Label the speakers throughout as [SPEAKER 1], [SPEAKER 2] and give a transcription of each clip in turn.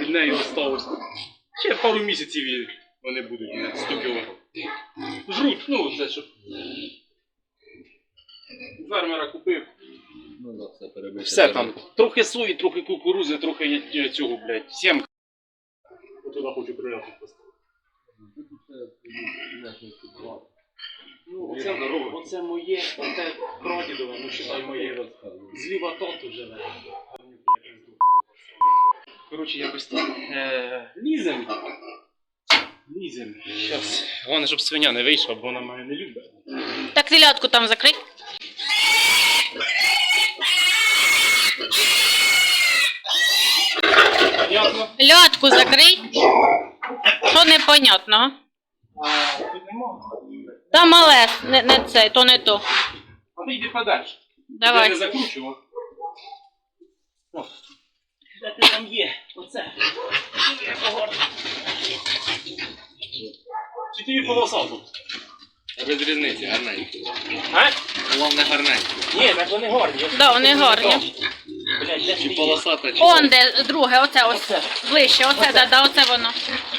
[SPEAKER 1] від неї осталось. Ще пару місяців і вони будуть 100 кг. Жруть, ну це щоб фермера купив.
[SPEAKER 2] Ну да, все перебити.
[SPEAKER 1] Все там. Трохи сої, трохи кукурузи, трохи цього, блядь, сімка. От туди хочу приляти поставити. Ну, оце моє, оце прадідове, ну считай моє. Зліва тату живе. Коротше, якось так. Лізем. Щас. Головне, щоб свиня не вийшла, бо вона мене не любить.
[SPEAKER 3] Так телятку там закрий.
[SPEAKER 1] Понятно?
[SPEAKER 3] Льотку закрий. Що непонятного?
[SPEAKER 1] Тут нема.
[SPEAKER 3] Та мале, не це, то не то.
[SPEAKER 1] А ти йди подальше. Я
[SPEAKER 3] Давай.
[SPEAKER 1] не закручував. О, де ти там є? Оце. Чи тобі полосав тут?
[SPEAKER 2] Без різниці, гарненькі.
[SPEAKER 1] А?
[SPEAKER 2] Головне гарненькі.
[SPEAKER 1] Ні, так вони гарні.
[SPEAKER 3] Да, вони гарні.
[SPEAKER 1] Блядь, де
[SPEAKER 2] Чи
[SPEAKER 1] ти є?
[SPEAKER 2] полосата, чи...
[SPEAKER 3] Он де друге, оце ось. Ближче, оце, да, оце воно.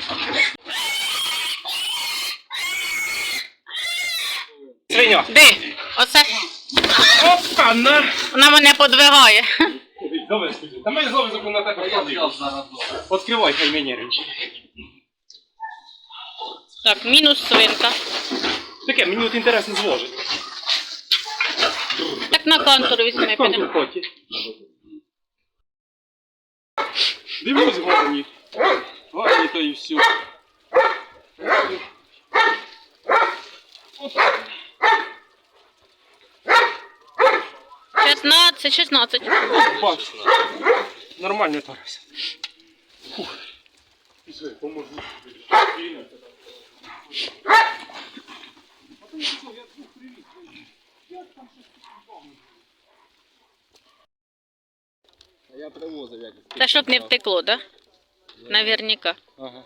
[SPEAKER 1] Свиня.
[SPEAKER 3] Де? Оце.
[SPEAKER 1] Опа, на!
[SPEAKER 3] Вона мене подвигає.
[SPEAKER 1] Давай, скажи. Та мене зовсім на тебе вкладив. Відкривай, хай мені речі.
[SPEAKER 3] Так, мінус свинка.
[SPEAKER 1] Таке, мені от інтересно зложить.
[SPEAKER 3] Так на контур візьми,
[SPEAKER 1] Там
[SPEAKER 3] підемо.
[SPEAKER 1] тут хоті. Дивлюсь, гарні. Гарні то і все.
[SPEAKER 3] 16.
[SPEAKER 1] Бач. Нормально тарався. Фух. Поможу.
[SPEAKER 2] Я привозив якось.
[SPEAKER 3] Та щоб не втекло, да? Наверняка.
[SPEAKER 1] Ага.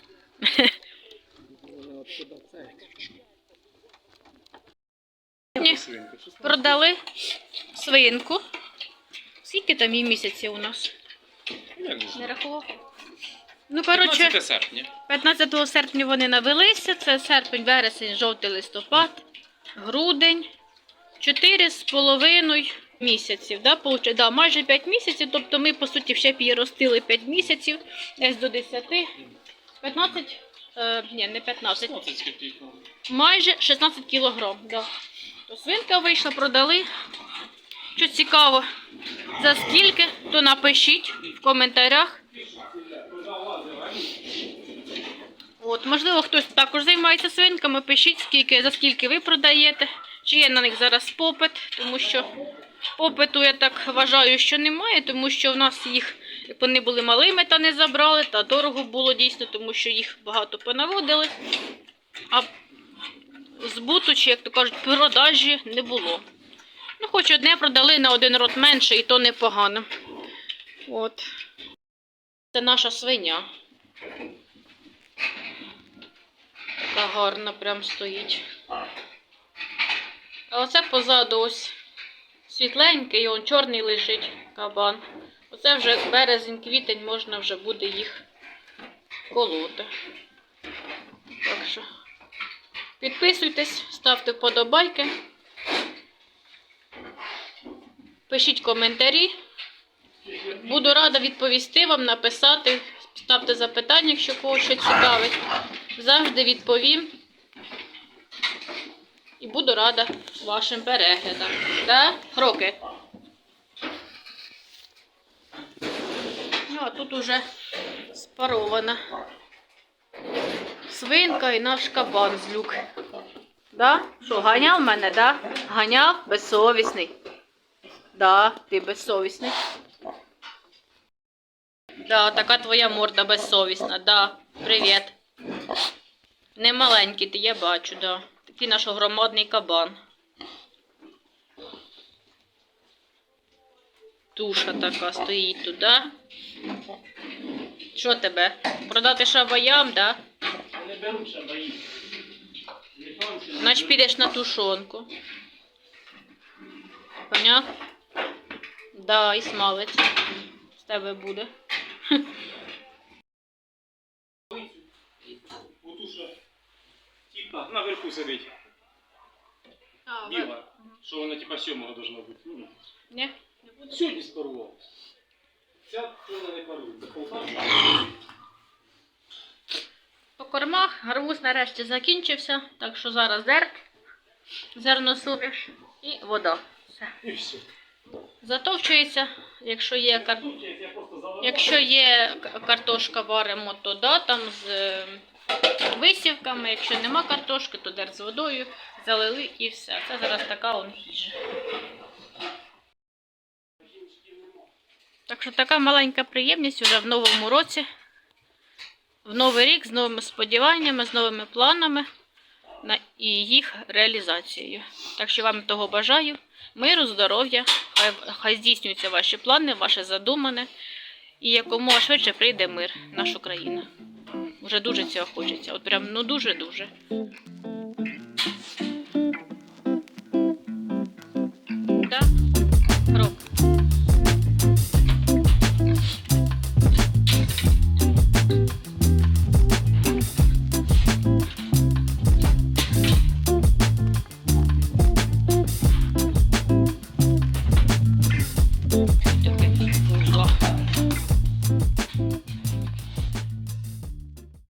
[SPEAKER 3] Ні. Продали свинку. Скільки там їй місяців у нас? Не рахував? Ну, коротше,
[SPEAKER 1] 15 серпня.
[SPEAKER 3] 15 серпня вони навелися. Це серпень, вересень, жовтий, листопад, грудень. 4,5 місяців. Да, майже 5 місяців. Тобто ми, по суті, ще б її ростили 5 місяців. Десь до 10. 15, ні, не 15. Майже 16 кілограм. Да. То свинка вийшла, продали. Що цікаво, за скільки, то напишіть в коментарях. От, можливо, хтось також займається свинками, пишіть, за скільки ви продаєте, чи є на них зараз попит, тому що попиту, я так вважаю, що немає, тому що в нас їх, як вони були малими, та не забрали, та дорого було дійсно, тому що їх багато понаводили, а збуту, чи, як то кажуть, продажі не було. Ну, хоч одне продали на один рот менше, і то непогано. От. Це наша свиня. Така гарна прям стоїть. А оце позаду ось світленький, і он чорний лежить кабан. Оце вже березень-квітень, можна вже буде їх колоти. Так що підписуйтесь, ставте вподобайки. Пишіть коментарі. Буду рада відповісти вам, написати. Ставте запитання, якщо когось щось цікавить. Завжди відповім. І буду рада вашим переглядам. Да? Роки. Ну, а тут уже спарована свинка і наш кабан з люк. Да? Що, ганяв мене, да? Ганяв? Безсовісний. Да, ти безсовісний. Да, така твоя морда безсовісна. Да, привіт. Не маленький ти, я бачу, да. Такий наш громадний кабан. Туша така стоїть тут, да? Що тебе? Продати шабаям, да?
[SPEAKER 1] Не беруть шабаї.
[SPEAKER 3] Значить підеш на тушонку. Поняв? Да, і смалець з тебе буде.
[SPEAKER 1] наверху сидить. Біла. Що вона типа 7-го должна бути. Ну,
[SPEAKER 3] Ні?
[SPEAKER 1] сьогодні спарував. Ця вона не парує. Це полтавка.
[SPEAKER 3] По кормах гарбуз нарешті закінчився, так що зараз зерносуміш і вода. Все.
[SPEAKER 1] І все.
[SPEAKER 3] Затовчується, якщо є
[SPEAKER 1] Я просто заливав.
[SPEAKER 3] Якщо є картошка варимо, то да, там з висівками. Якщо нема картошки, то дер з водою, залили і все. Це зараз така он їжа. Так що така маленька приємність вже в новому році, в новий рік з новими сподіваннями, з новими планами і їх реалізацією. Так що вам того бажаю. Миру, здоров'я, хай здійснюються ваші плани, ваше задумане. І якомога швидше прийде мир в нашу країну. Вже дуже цього хочеться. От прям, ну дуже-дуже.